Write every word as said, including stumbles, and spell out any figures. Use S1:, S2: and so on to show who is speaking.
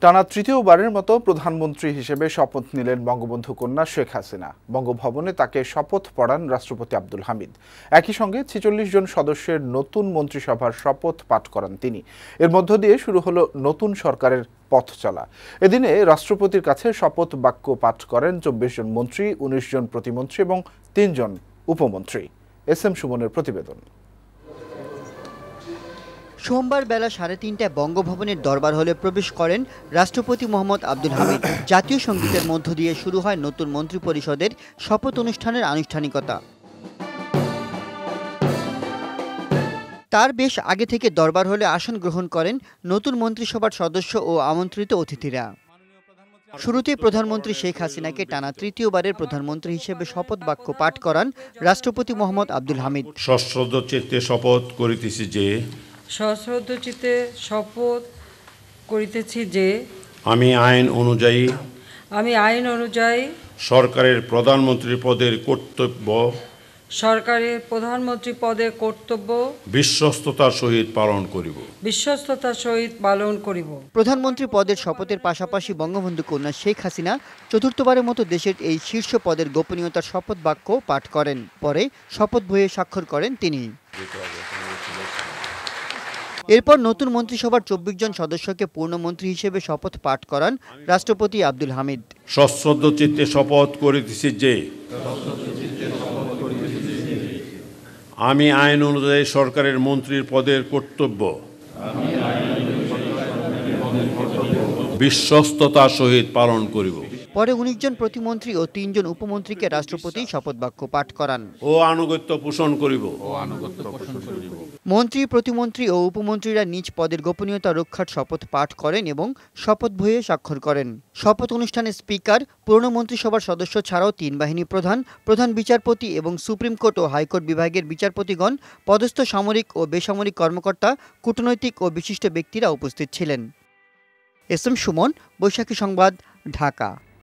S1: টানা তৃতীয়বারের মতো প্রধানমন্ত্রী হিসেবে শপথ নিলেন বঙ্গবন্ধু কন্যা শেখ হাসিনা। বঙ্গভবনে তাকে শপথ পড়ান রাষ্ট্রপতি আব্দুল হামিদ। একই সঙ্গে ছেচল্লিশ জন সদস্যের নতুন মন্ত্রিসভার শপথ পাঠ করান তিনি। এর মধ্য দিয়ে শুরু হলো নতুন সরকারের পথ চলা। এদিনে রাষ্ট্রপতির কাছে শপথ বাক্য পাঠ করেন চব্বিশ জন মন্ত্রী, উনিশ জন প্রতিমন্ত্রী এবং তিনজন উপমন্ত্রী। এস এম সুমনের প্রতিবেদন।
S2: সোমবার বেলা সাড়ে তিনটায় বঙ্গভবনের দরবার হলে প্রবেশ করেন রাষ্ট্রপতি মোহাম্মদ আব্দুল হামিদ। জাতীয় সঙ্গীতের মধ্য দিয়ে শুরু হয় নতুন মন্ত্রিপরিষদের শপথ অনুষ্ঠানের আনুষ্ঠানিকতা। তার বেশ আগে থেকে দরবার হলে আসন গ্রহণ করেন নতুন মন্ত্রিসভার সদস্য ও আমন্ত্রিত অতিথিরা। শুরুতেই প্রধানমন্ত্রী শেখ হাসিনাকে টানা তৃতীয়বারের প্রধানমন্ত্রী হিসেবে শপথ বাক্য পাঠ করান রাষ্ট্রপতি মোহাম্মদ আব্দুল হামিদ।
S3: সশ্রদ্ধ চিত্তে শপথ করিতেছি যে
S4: সশ্রদ্ধ চিত্তে শপথ করিতেছি যে
S3: আমি আইন অনুযায়ী
S4: আমি আইন অনুযায়ী
S3: সরকারের প্রধানমন্ত্রী পদের কর্তব্য
S4: সরকারের প্রধানমন্ত্রী পদের কর্তব্য
S3: বিশ্বস্ততার সহিত পালন করিব
S4: বিশ্বস্ততার সহিত পালন করিব।
S2: প্রধানমন্ত্রী পদের শপথের পাশাপাশি বঙ্গবন্ধু কন্যা শেখ হাসিনা চতুর্থবারের মতো দেশের এই শীর্ষ পদের গোপনীয়তার শপথ বাক্য পাঠ করেন। পরে শপথ বইয়ে স্বাক্ষর করেন তিনি। এরপর নতুন মন্ত্রিসভার চব্বিশ জন সদস্যকে পূর্ণমন্ত্রী হিসেবে শপথ পাঠ করান রাষ্ট্রপতি আব্দুল হামিদ।
S3: সশ্রদ্ধ চিত্তে শপথ করিতেছি যে আমি আইন অনুযায়ী সরকারের মন্ত্রীর পদের কর্তব্য বিশ্বস্ততার সহিত পালন করিব।
S2: পরে উনিশ জন প্রতিমন্ত্রী ও তিনজন উপমন্ত্রীকে রাষ্ট্রপতি শপথ বাক্য পাঠ করান।
S3: ও আনুগত্য পোষণ করিব
S2: মন্ত্রী, প্রতিমন্ত্রী ও উপমন্ত্রীরা নিজ পদের গোপনীয়তা রক্ষার শপথ পাঠ করেন এবং শপথ বইয়ে স্বাক্ষর করেন। শপথ অনুষ্ঠানে স্পিকার, পূর্ণ মন্ত্রিসভার সদস্য ছাড়াও তিন বাহিনী প্রধান, প্রধান বিচারপতি এবং সুপ্রিম কোর্ট ও হাইকোর্ট বিভাগের বিচারপতিগণ, পদস্থ সামরিক ও বেসামরিক কর্মকর্তা, কূটনৈতিক ও বিশিষ্ট ব্যক্তিরা উপস্থিত ছিলেন। এস এম সুমন, বৈশাখী সংবাদ, ঢাকা।